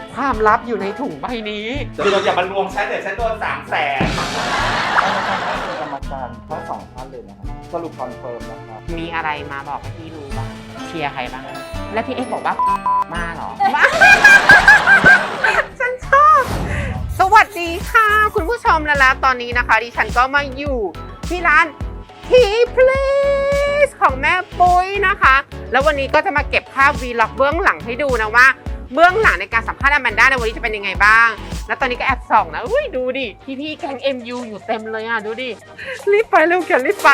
ความลับอยู่ในถุงใบนี้คือเราอย่ามาลวงฉันเดี๋ยวฉันโดน300,000 กรรมการทั้ง2 ท่านเลยนะครับสรุปคอนเฟิร์มนะครับมีอะไรมาบอกให้พี่รู้บ้างเชียร์ใครบ้างและพี่เอ็กบอกว่ามาเหรอฉันชอบสวัสดีค่ะคุณผู้ชมแล้วตอนนี้นะคะดิฉันก็มาอยู่ที่ร้านทีพลีสของแม่ปุ้ยนะคะแล้ววันนี้ก็จะมาเก็บภาพวีล็อกเบื้องหลังให้ดูนะว่าเบื้องหลังในการสัมภาษณ์อแมนด้าในวันนี้จะเป็นยังไงบ้างแล้วตอนนี้ก็แอบส่องนะอุ้ยดูดิพี่แก๊ง MU อยู่เต็มเลยอ่ะดูดิรีบไปเร็วเขียนรีบไป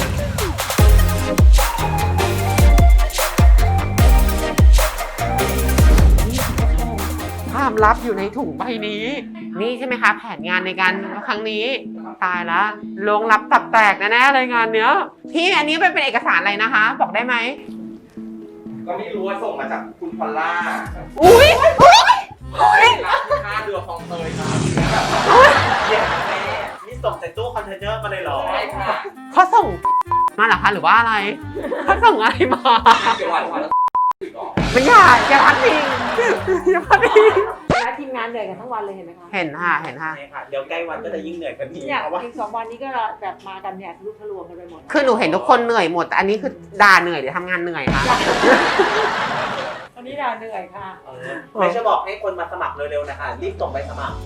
ความลับอยู่ในถุงใบนี้นี่ใช่ไหมคะแผนงานในการครั้งนี้ตายละลงลับตับแตกแน่ๆเลยงานเนี้ยพี่อันนี้เป็นเอกสารอะไรนะคะบอกได้ไหมก็ไม่รู้ว่าส่งมาจากคุณพอลล่าอุ้ยรับค่าเรือคลองเตยครับเยี่ยมแม่นี่ส่งจากตู้คอนเทนเนอร์มาเลยเหรอใช่ค่ะเขาส่งมาเหรอคะหรือว่าอะไรเขาส่งอะไรมาไม่อยากอย่าพัดพิงอย่าพัดพิงแล้วทีมงานเหนื่อยกันทั้งวันเลยเห็นไหมคะเห็นค่ะใช่ค่ะเดี๋ยวใกล้วันก็จะยิ่งเหนื่อยกันอีกเนี่ยอีก2 วันนี้ก็แบบมากันเนี่ยลุกทะลวงกันไปหมดคือหนูเห็นทุกคนเหนื่อยหมดแต่อันนี้คือด่าเหนื่อยหรือทำงานเหนื่อยคะวันนี้ด่าเหนื่อยค่ะไม่จะบอกให้คนมาสมัครเร็วๆนะคะรีบส่งไปสมัคร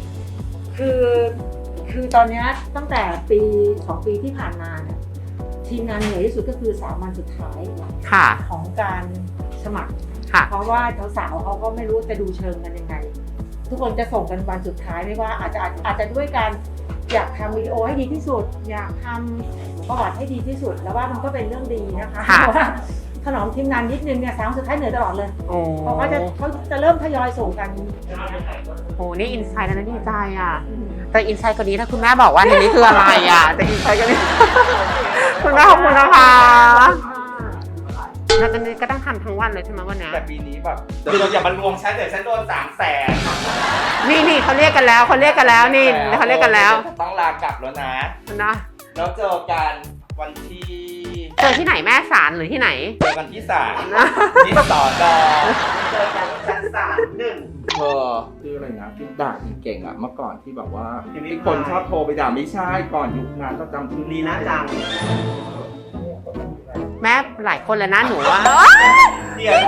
คือตอนนี้ตั้งแต่2 ปีที่ผ่านมาเนี่ยทีมงานเหนื่อยที่สุดก็คือ3 วันสุดท้ายของการสมัครเพราะว่าสาวๆเขาก็ไม่รู้จะดูเชิงกันยังไงทุกคนจะส่งกันวันสุดท้ายไม่ว่าอาจจะด้วยการอยากทำวิดีโอให้ดีที่สุดอยากทำประวัติให้ดีที่สุดแล้วว่ามันก็เป็นเรื่องดีนะคะเพราะว่าถนอมทีมงานนิดนึงเนี่ย3 สุดท้ายเหนื่อยตลอดเลยเพราะเขาจะเริ่มทยอยส่งกันโอ้นี่อินไซด์แล้วนะดีใจอ่ะแต่อินไซด์คนนี้ถ้าคุณแม่บอกว่าในนี้คืออะไรอ่ะแต่อินไซด์คนนี้คุณแม่ขอบคุณนะคะแล้วตอนนี้ก็ต้องทำทั้งวันเลยใช่ไหมวันนี้แต่ปีนี้แบบคือเราอย่ามาลวงฉันเดี๋ยวฉันโดน300,000 นี่เขาเรียกกันแล้วนี่เขาเรียกกันแล้วต้องลากลับแล้วนะแล้วเจอกันวันที่เจอที่ไหนแม่ศาลหรือที่ไหนเจอกันที่ศาลที่สอนเจอกันชั้นศาล1 คืออะไรนะที่ด่าเก่งอ่ะเมื่อก่อนที่แบบว่าที่คนชอบโทรไปด่าไม่ใช่ก่อนยุคนั้นก็จำชื่อลีน่าจังแม่หลายคนแล้วนะหนูว่าเดี๋ยว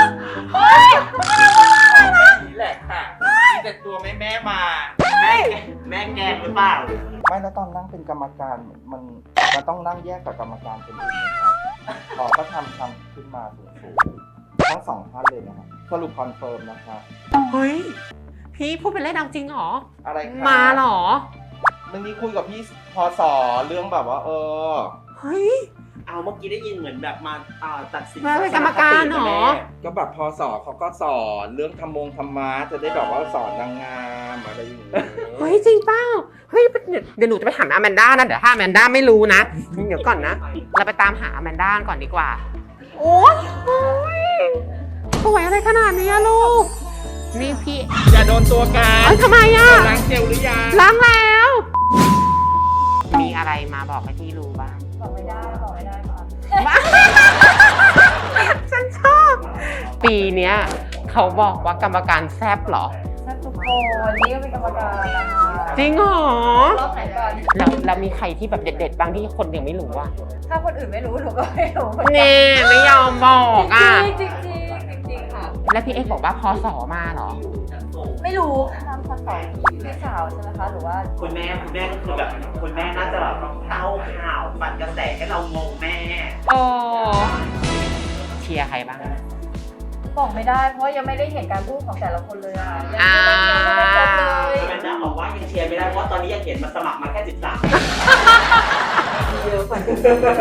นี่แหละค่ะมีแต่ตัวแม่มาแม่แกงหรือเปล่าไม่แล้วตอนนั่งเป็นกรรมการมันต้องนั่งแยกกับกรรมการเป็นอื่นนะครับก็ทำขึ้นมาสูงทั้ง2 ท่านเลยนะครับสรุปคอนเฟิร์มนะครับเฮ้ยพี่พูดเป็นเล่นเอาจริงเหรออะไรมาเหรอเรื่องนี้คุยกับพี่พศเรื่องแบบว่าเฮ้ยเอาเมื่อกี้ได้ยินเหมือนแบบมาตัดสินเป็นกรรมการเหรอก็แบบพศเขาก็สอนเรื่องธรรมะจะได้แบบว่าสอนนางงามอะไรอย่างเงี้ยเฮ้ยจริงเปล่าเฮ้ยเดี๋ยวหนูจะไปถามอแมนด้านะเดี๋ยวถ้าอแมนด้าไม่รู้นะเดี๋ยวก่อนนะเราไปตามหาอแมนด้าก่อนดีกว่าโอ้ยสวยอะไรขนาดนี้ลูกนี่พี่อย่าโดนตัวกันทำไมอ่ะล้างเจลหรือยังล้างแล้วมีอะไรมาบอกให้พี่รู้บ้างบอกไม่ได้ค่ะฉันชอบปีเนี้ยเขาบอกว่ากรรมการแซ่บเหรอแซ่บทุกคนนี่ก็เป็นกรรมการจริงเหรอรอบไหนก่อนแล้วมีใครที่แบบเด็ดๆบางที่คนยังไม่รู้อ่ะถ้าคนอื่นไม่รู้หนูก็ไม่รู้เน่ไม่ยอมบอกอ่ะจริงค่ะแล้วพี่เอ็กบอกว่าพศมาเหรอไม่รู้นำพศพี่สาวใช่ไหมคะหรือว่าคุณแม่ก็คือแบบคุณแม่น่าจะแบบเต้าข่าวปั่นกระแสให้เรางงแม่เชียร์ใครบ้างบอกไม่ได้เพราะยังไม่ได้เห็นการพูดของแต่ละคนเลยอ่ะยังไม่ครบเลยแม่น่าบอกว่ายังเชียร์ไม่ได้เพราะตอนนี้ยังเห็นมาสมัครมาแค่13 เยอะกว่านี้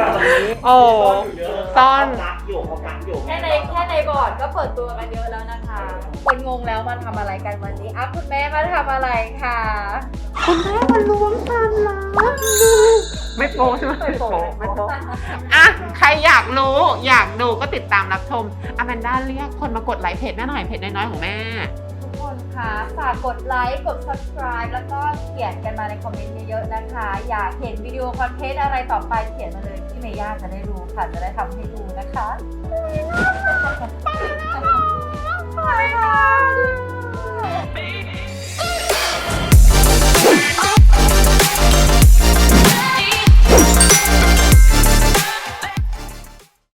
ซ่อนรักอยู่แค่ในบอร์ดก็เปิดตัวกันเยอะแล้วนะคะคนงงแล้วมาทำอะไรกันวันนี้คุณแม่มาทำอะไรคะคุณแม่มาล้วงความลับไม่โป๊ใช่ไหมไม่โป๊อ่ะใครอยากรู้อยากดูก็ติดตามรับชมอแมนด้าเรียกคนมากดไลค์เพจแม่หน่อยเพจน้อยๆของแม่ทุกคนคะฝากกดไลค์กด subscribe แล้วก็เขียนกันมาในคอมเมนต์เยอะๆนะคะอยากเห็นวิดีโอคอนเทนต์อะไรต่อไปเขียนมาเลยพี่เมย่าจะได้รู้ค่ะจะได้ทำให้ดูนะคะ